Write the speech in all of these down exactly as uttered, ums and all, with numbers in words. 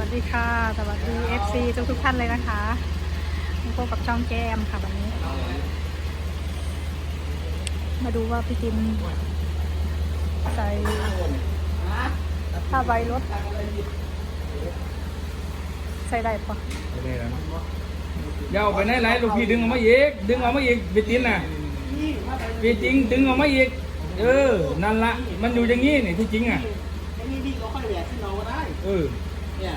สดีค่ะสวัสดี เอฟ ซี ทุกทุกท่านเลยนะคะมาพบกับช่องแก้มค่ะวันนี้ มาดูว่าพี่จินใส่ผ้าใบรถใส่ได้ปะได้แล้วยาวไปไหนไหนลูกพี่ดึงออกมาอีกดึงออกมาอีกพี่จินน่ะพี่จริงดึงออกมาอีกเออนั่นละมันอยู่อย่างงี้นี่ที่จริงอ่ะไอ้นี่พี่เราค่อยแหวกที่เราก็ได้เออเนี่ย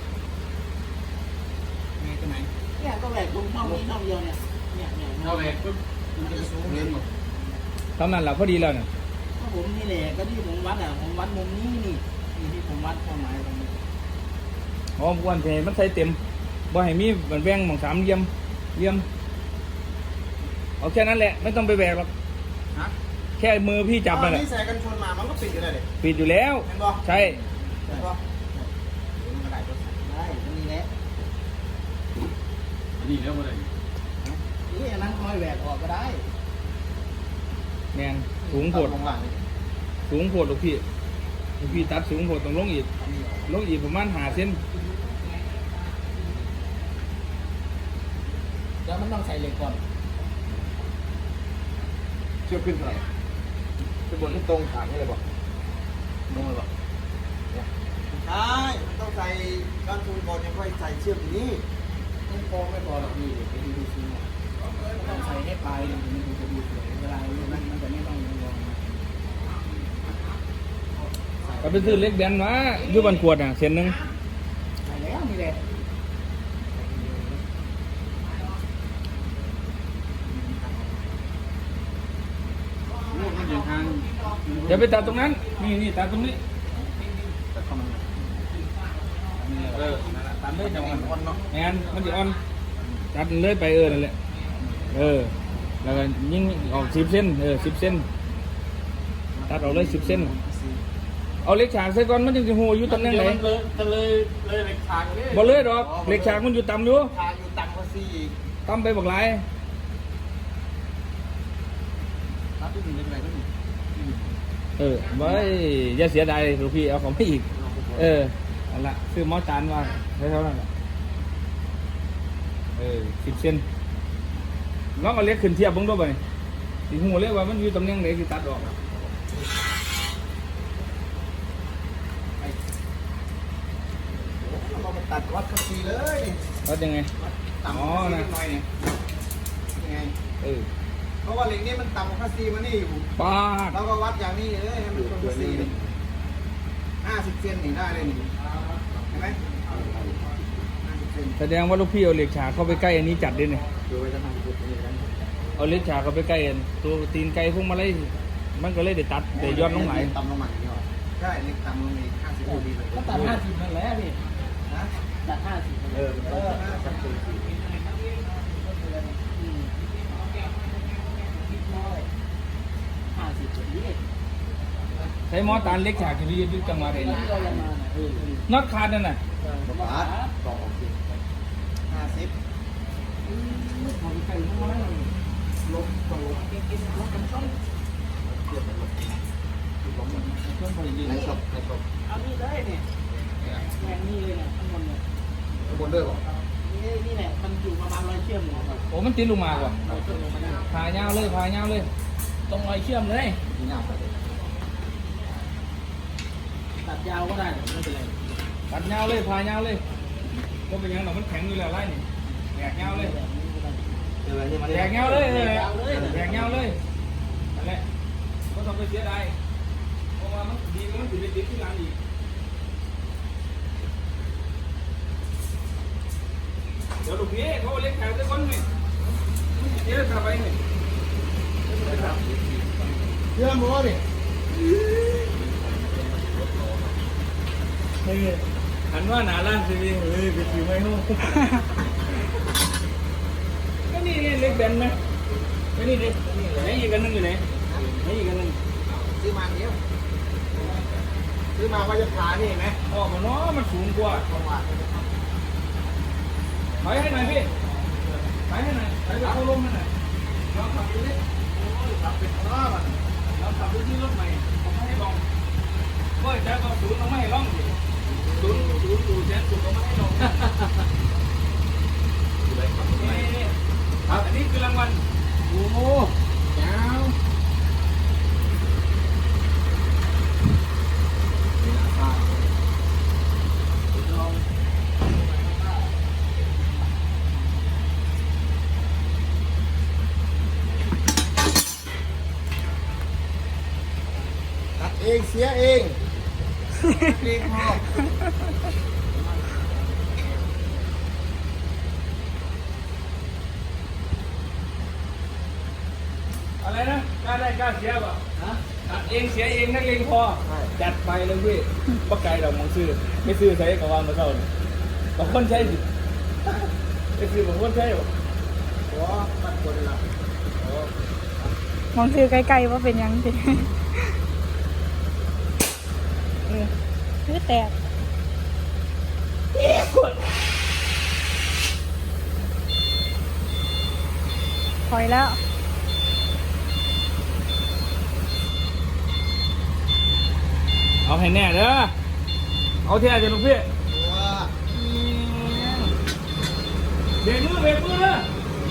ไงตัวไหนเนี่ยก็แหวกตรงช่องนี้ช่องเดียวเนี่ยเนี่ยเนี่ยเอาไปปุ๊บมันจะสูงเลยหมดทำนั่นแหละพอดีแล้วเนี่ยก็ผมนี่แหละก็ที่ผมวัดอ่ะผมวัดมุมนี้นี่นี่ที่ผมวัดความหมายตรงนี้หอมกวนเพมันใส่เต็มบ่ให้มีมันแบ่งหมองสามเหลี่ยมเหลี่ยมเอาแค่นั้นแหละไม่ต้องไปแบกหรอกฮะแค่มือพี่จับมันแหละนี่ใส่กันชนมามันก็ปิดอยู่เลยปิดอยู่แล้วเห็นบ่ใช่เห็นบ่มันก็ได้ตัวได้ตรงนี้แหละอันนี้แล้วมาเลยนี่อันนั้นค่อยแหวกออกก็ได้แมนสูงโผดลงหลังสูงโผดลูกพี่ลูกพี่ตัดสูงโผดต้องลงอีกลงอีกประมาณห้าเซนเดี๋ยวมันต้องใส่เหล็กก่อนเชือกขึ้นเท่าไหร่จะบนที่ตรงขางนี่เลยบ่ตรงเลยบ่ใช่มันต้องใส่ก้านทูนก่อนยังค่อยใส่เชือกนี้ต้องโค้งไม่พอหรอกพี่ไปดูดูซิเนี่ยต้องใส่ให้ปลายมันถึงจะดูสวยเวลามันมันจะไม่ต้องงงก็ไปซื้อเล็กแบนมาอยู่บันขวดอ่ะเส้นหนึ่งใส่แล้วนี่แหละมันอยู่ทางอย่าไปตัดตรงนั้นนี่นี่ตัดตรงนี้แต่ก็มันเออตามได้จังหวะอ่อนเนาะแอนมันจะอ่อนตัดเลยไปเออนั่นแหละเออแล้วก็ยิ่งออกสิบเส้นเออสิบเส้นตัดออกเลยสิบเส้นเอาเล็กฉากใส่ก่อนมันจึงจะหูอยู่ตำแหน่งไหนเลยจะเลยเลยเหล็กฉากเลยบ่เลยดอกเล็กฉากมันอยู่ต่ำอยู่ฉากอยู่ต่ำกว่าสี่อีกต่ำไปบักหลายรับที่หนึ่งเป็นไรก็หนึ่งเออไว้อย่าเสียดายลูกพี่เอาของไปอีกเออเอาละซื้อหม้อจานว่าเท่านั้นแหละเออสิบเส้นลองเอาเล็กขึ้นเทียบเบิ่งด้วยไปสิหูเลยว่ามันอยู่ตำแหน่งไหนที่ตัดออกเรามาตัดวัดคันซีเลยวัดยังไงต่ำอ๋อหนะน่อยเนี่ยยังไงเออเพราะว่าเหล็กนี่มันต่ำกว่าคันซีมานี่อยู่ปาดเราก็วัดอย่างนี้เลยให้มันตรงคันซีนี่ห้าสิบเซนนี่ได้เลยนี่เห็นไหมห้าสิบเซนแสดงว่าลูกพี่เอาเหล็กฉากเข้าไปใกล้อันนี้จัดด้วยเนี่ยดูไว้จะทำจุดนี้กันเอาเหล็กฉากเข้าไปใกล้อันตัวตีนไก่พวกมาเลยมันก็เลยได้ตัดได้ย้อนลงไหลต่ำลงมาอย่างนี้หรอใช่เหล็กต่ำลงอีกห้าสิบดีเลยก็ตัดห้าสิบนั่นแหละพี่นะตัดห้าสิบเออเออห้าสิบสี่ห้าสิบแบบนี้ใช้หมอตาลเหล็กฉากที่พี่ยึดจังหวะไหนที่เราลงมาเออน็อตขาดนั่นน่ะบาทต่อออกสิห้าสิบของไก่ทั้งนั้นลบต่อลบเก็บๆลดกันต้นเทียบกันลบลบหมดเครื่องผลิตในศพในศพเอานี่เลยเนี่ยแหวงนี่เลยเนี่ยข้างบนเนี่ยข้างบนด้วยหรอนี่นี่แหละมันอยู่ประมาณร้อยเชื่อมเนี่ยครับโอ้มันติดลงมาก่อนร้อยเชื่อมลงมาได้พายาวเลยพายาวเลยตรงร้อยเชื่อมเลยที่หน้าไปเลยตัดยาวก็ได้ไม่เป็นไรตัดยาวเลยพายาวเลยก็เป็นอยังหนอมันแข็งอยู่แล้วไล่นี่แหกยาวเลยเจออะไรที่มาแหกยาวเลยเออแหกยาวเลยนั่นแหละก็ต้องไปเสียดายเพราะว่ามันดีมันถึงไปติดที่ร้านอีกเดี๋ยวลูกพี่เขาเอาเล็กแขกด้วยคนนี่เดี๋ยวกลับไปนี่เชื่อมบ่ดิเฮ้ยหันว่าหนาล้านสิเฮ้ยไปถือไม้ห้องก็นี่นี่เล็กแบนไหมก็นี่ดิไหนอีกอันนึงอยู่ไหนไหนอีกอันนึงซื้อมาเนี้ยซื้อมาว่าจะขานี่ไหมออกมาเนาะมันสูงกว่าตรงว่าถอยให้หน่อยพี่ถอยให้หน่อยถอยไปเข้าร่มให้หน่อยลองขับดูดิขับเป็นรอบอ่ะลองขับดูที่รถใหม่ผมไม่ให้ลองเมื่อจะเอาศูนย์เอาไม่ให้ลองดิศูนย์ศูนย์ศูนย์เจ็ดศูนย์เอาไม่ให้สียเองเองพออะไรนะกล้าได้กล้าเสียเปล่าฮะเองเสียเองนักเลงพอจัดไปเลยพี่ปักไก่ดอกมองซื้อไม่ซื้อใช้กับวางมาเท่าเลยบางคนใช้สิไม่ซื้อบางคนใช้หรอโอ้ปัดคนละมองซื้อใกล้ๆว่าเป็นหยังสิคือแตกถอยแล้วเอาให้แน่เด้อเอาเท่าจะลูกพี่ว้าเบรกมือเบรกมือเลย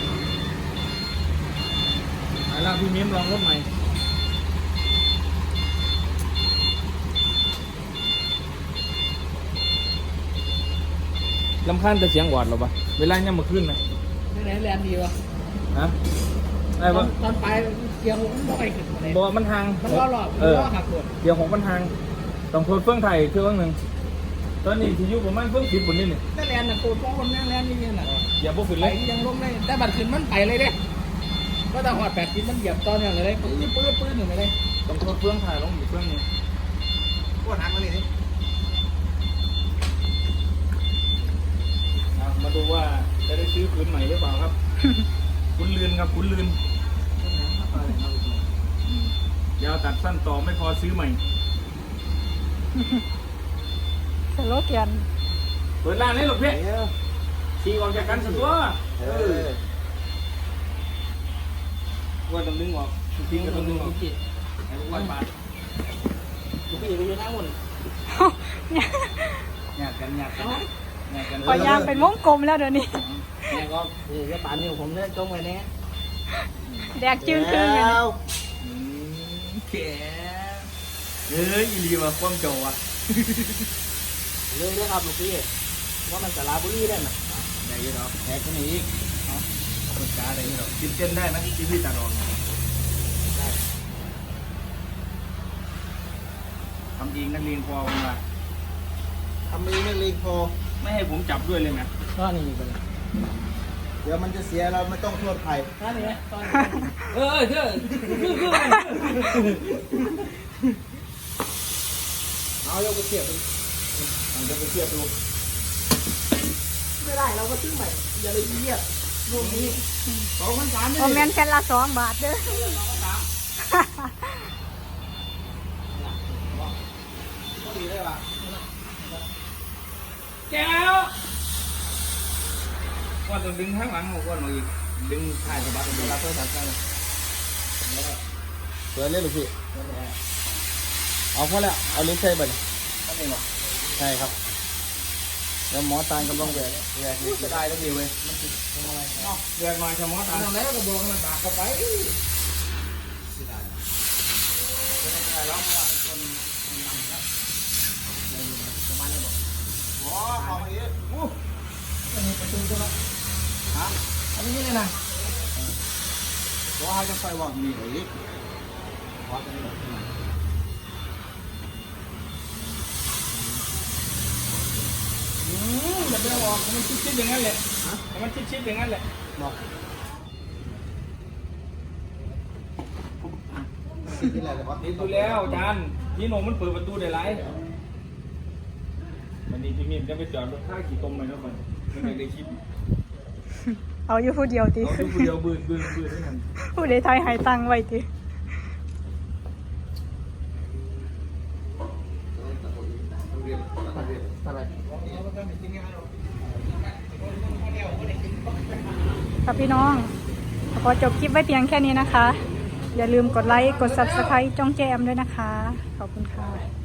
ไอ้ล่างพี่มิ้มลองรถใหม่ลำคาญแต่เสียงหวาดหรอปะเวลาเนี่ยมาขึ้นไหมนี่ไหนแรงดีวะฮะได้ปะตอนไปเกียร์ผมไม่ไปขึ้นเลยบอกว่ามันทางมันล้อหลอกเออล้อหักหมดเดี๋ยวของมันทางต้องโทษเฟื่องไทยเครื่องหนึ่งตอนนี้ที่อยู่ประมาณเฟื่องสิบบนนี่นี่นั่นแรงนะโคตรคนนั่นแรงนี่น่ะอย่าพวกขึ้นไปเลยยังลงได้แต่บัตรขึ้นมันไปเลยเด้ก็แต่หอดแปดกินมันเหยียบตอนอย่างเลยปื้ดปื้ดปื้ดหนึ่งเลยต้องโทษเฟื่องไทยลงอยู่เฟื่องนี้ปวดหักมาเลยนี่อ่ะมาดูว่าจะได้ซื้อพื้นใหม่หรือเปล่าครับ คุณลืนครับคุณลืนยาวตัดสั้นต่อไม่พอซื้อใหม่สโลแกนเปิดร้านนี้หรอกพี่เดี๋ยวขี่ออกจากกันสักตัวเออว่าต้องดึงออกทิ้งก็ต้องดึงออกไอ้ลูกวัดบาทลูกพี่ไปอยู่ทั้งหมดหยาดกันหยาดกันหยาดกันปล่อยยางเป็นวงกลมแล้วเดี๋ยวนี้เนี่ยก็เออจะป่านนี้ผมเนี่ยจงไว้แน่แดกจึงคืนกันแล้วอืมแขเอ้ยอีลีว่ะความโจว่ะเลยเรื่องครับลูกพี่ว่ามันสาราบุรีได้ไหมได้ยี่หรอแขกคนนี้อีกเนาะคนจ้าได้ยี่หรอกินเส้นได้ไหมที่พี่ตัดออกได้ทำเองนักเรียนพอมาทำเองไม่เลงพอไม่ให้ผมจับด้วยเลยไหมก็นี่ไปเลยเดี๋ยวมันจะเสียเราไม่ต้องโทษใครก็นี่ก็เออเชื่อคือคือเอายกไปเทียบดูเอายกไปเทียบดูไม่ได้เราก็ซื้อใหม่อย่าเลยเยียบรูปนี้สองพันสามโอแมนแค่ละสองบาทเด้อก็ดีได้ป่ะแก้วว่าต้องดึงข้างหลังก่อนมาอีกดึงถ่ายสะบัดเวลาโทรศัพท์กันเปิดเลยลูกพี่เอาพอแล้วเอาลิ้นใส่ไปเลยก็ไม่หรอกใช่ครับแล้วหมอตาลกำลังแหวกแหวกนี่จะได้แล้วดีเว้ยมันติดอะไรเนาะแหวกมาชะหมอตาลทำแล้วก็บอกมันปากเข้าไปอ๋อเอาไปเยอะอันนี้ประตูใช่ไหมฮะอันนี้เลยนะเพราะเขาจะใส่ว่ามีอะไรอีกอืมอย่าไปเอาออกมันชิดๆอย่างนั้นแหละมันชิดๆอย่างนั้นแหละบอกสิ่งที่อะไรแต่ว่าติดดูแล้วจานพี่โนมันเปิดประตูได้ไรวันนี้พี่มิมจะไปจอดรถข้าขี่ตรงไหนนะมันมันไม่ได้คิดเอาอยู่ผู้เดียวติเอาดูเดียวบืนบืนบืนให้มันผู้ใดไทยหายตังค์ไว้ติอะไรครับพี่น้อง ขอจบคลิปไว้เพียงแค่นี้นะคะ อย่าลืมกดไลค์ กด ซับสไครบ์ จ้องแจมด้วยนะคะ ขอบคุณค่ะ